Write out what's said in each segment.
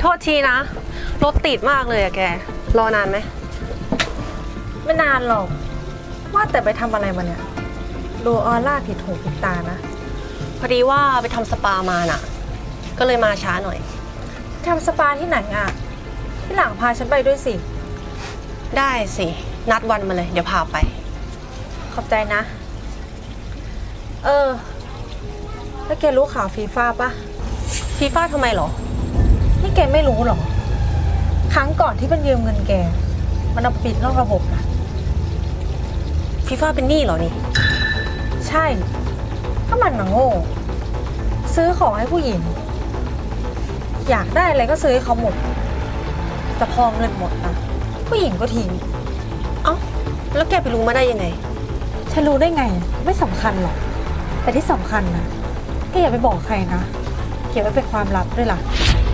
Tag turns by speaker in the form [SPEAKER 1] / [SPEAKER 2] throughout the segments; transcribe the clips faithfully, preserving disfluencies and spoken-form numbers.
[SPEAKER 1] ทษทีนะรถติดมากเลยอะแกรอนานไหม
[SPEAKER 2] ไม่นานหรอกว่าแต่ไปทำอะไรมาเนี่ยดูออร่าผิดหูผิดตานะ
[SPEAKER 1] พอดีว่าไปทำสปามาน่ะก็เลยมาช้าหน่อย
[SPEAKER 2] ทำสปาที่ไหนอ่ะที่หลังพาฉันไปด้วยสิ
[SPEAKER 1] ได้สินัดวันมาเลยเดี๋ยวพาไป
[SPEAKER 2] ขอบใจนะเออแล้วแกรู้ข่าวฟีฟ่าปะ
[SPEAKER 1] ฟีฟ่าทำไมหรอ
[SPEAKER 2] นี่แกไม่รู้หรอครั้งก่อนที่มันยืมเงินแกมันเอาปิดนอกระบบนะ
[SPEAKER 1] ฟีฟ่าเป็นหนี้เหรอนี่
[SPEAKER 2] ใช่ถ้ามันน่ะโง่ซื้อของให้ผู้หญิงอยากได้อะไรก็ซื้อให้เขาหมดแต่พอเงินหมดนะผู้หญิงก็ทิ้ง
[SPEAKER 1] เอ้าแล้วแกไปรู้มาได้ยังไง
[SPEAKER 2] ฉันรู้ได้ไงไม่สำคัญหรอกแต่ที่สำคัญนะแกอย่าไปบอกใครนะเก็บไว้เป็นความลับด้วยล่ะ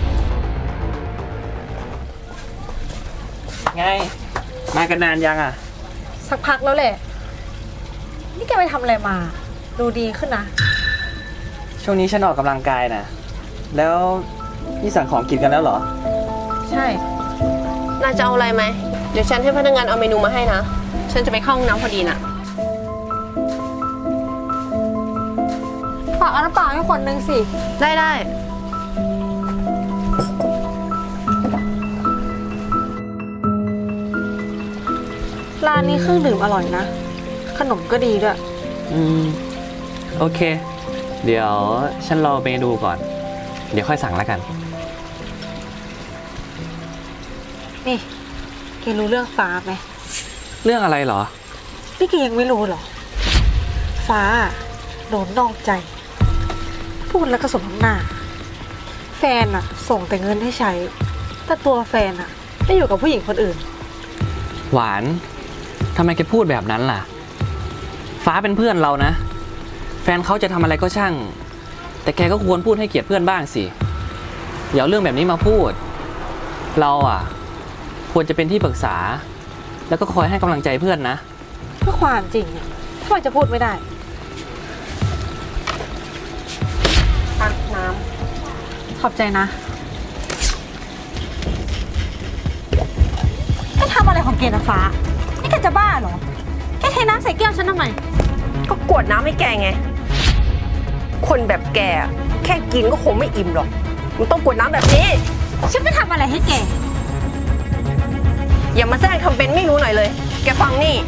[SPEAKER 3] ไงมากันนานยังอ่ะ
[SPEAKER 2] สักพักแล้วแหละนี่แกไปทำอะไรมาดูดีขึ้นนะ
[SPEAKER 3] ช่วงนี้ฉันออกกำลังกายนะแล้วนี่สั่งของกินกันแล้วเหรอ
[SPEAKER 2] ใช่
[SPEAKER 1] น่าจะเอาอะไรไหมเดี๋ยวฉันให้พนักงานเอาเมนูมาให้นะฉันจะไปเข้าห้องน้ำพอดีน่ะ
[SPEAKER 2] ฝากเอาน้ำเปล่าให้คนนึงสิ
[SPEAKER 1] ได้ได้
[SPEAKER 2] ร้านนี้เครื่องดื่มอร่อยนะขนมก็ดีด้วย
[SPEAKER 3] อืมโอเคเดี๋ยวฉันรอเมนูก่อนเดี๋ยวค่อยสั่งแล้วกัน
[SPEAKER 2] นี่แกรู้เรื่องฟ้าไหม
[SPEAKER 3] เรื่องอะไรเหรอ
[SPEAKER 2] นี่แกยังไม่รู้เหรอฟ้าโดนนอกใจพูดแล้วก็สมน้ำหน้าแฟนอะส่งแต่เงินให้ใช้แต่ตัวแฟนอะได้อยู่กับผู้หญิงคนอื่น
[SPEAKER 3] หวานทำไมแกพูดแบบนั้นล่ะฟ้าเป็นเพื่อนเรานะแฟนเขาจะทำอะไรก็ช่างแต่แกก็ควรพูดให้เกียรติเพื่อนบ้างสิอย่าเอาเรื่องแบบนี้มาพูดเราอ่ะควรจะเป็นที่ปรึกษาแล้วก็คอยให้กำลังใจเพื่อนนะ
[SPEAKER 2] เพื่อความจริงเนี่ยทำไมจะพูดไม่ได้
[SPEAKER 1] ตักน้ำ
[SPEAKER 2] ขอบใจนะแกทำอะไรของแกนะฟ้านี่แกจะบ้าเหรอแกเทน้ำใส่แก้วฉันทำไม
[SPEAKER 1] ก็กวดน้ำให้แกไงคนแบบแกแค่กินก็คงไม่อิ่มหรอกมันต้องกวดน้ำแบบนี้
[SPEAKER 2] ฉันไม่ทำอะไรให้แก
[SPEAKER 1] อย่ามาแซงทำเป็นไม่รู้หน่อยเลยแกฟังนี่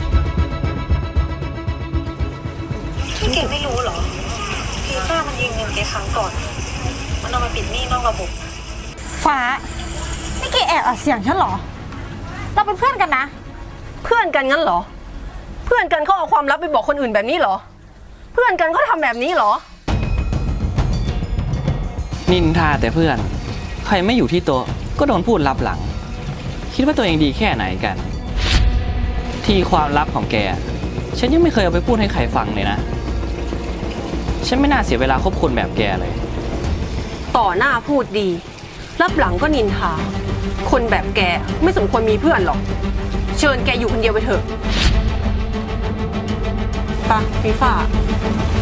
[SPEAKER 2] ที่แกไม่รู้หรอฟีฟ่ามันยืมเงินแกครั้งก่อนมันเอามาปิดหนี้นอกระบบฟ้านี่แกแอบอัดเสียงฉันหรอเราเป็นเพื่อนกันนะ
[SPEAKER 1] เพื่อนกันงั้นเหรอเพื่อนกันเขาเอาความลับไปบอกคนอื่นแบบนี้เหรอเพื่อนกันเขาทำแบบนี้เหรอ
[SPEAKER 3] นินทาแต่เพื่อนใครไม่อยู่ที่โต๊ะก็โดนพูดลับหลังคิดว่าตัวเองดีแค่ไหนกันที่ความลับของแกฉันยังไม่เคยเอาไปพูดให้ใครฟังเลยนะฉันไม่น่าเสียเวลาคบคนแบบแกเลย
[SPEAKER 1] ต่อหน้าพูดดีรับหลังก็นินทาคนแบบแกไม่สมควรมีเพื่อนหรอกเชิญแกอยู่คนเดียวไปเถอะไปฟีฟ่า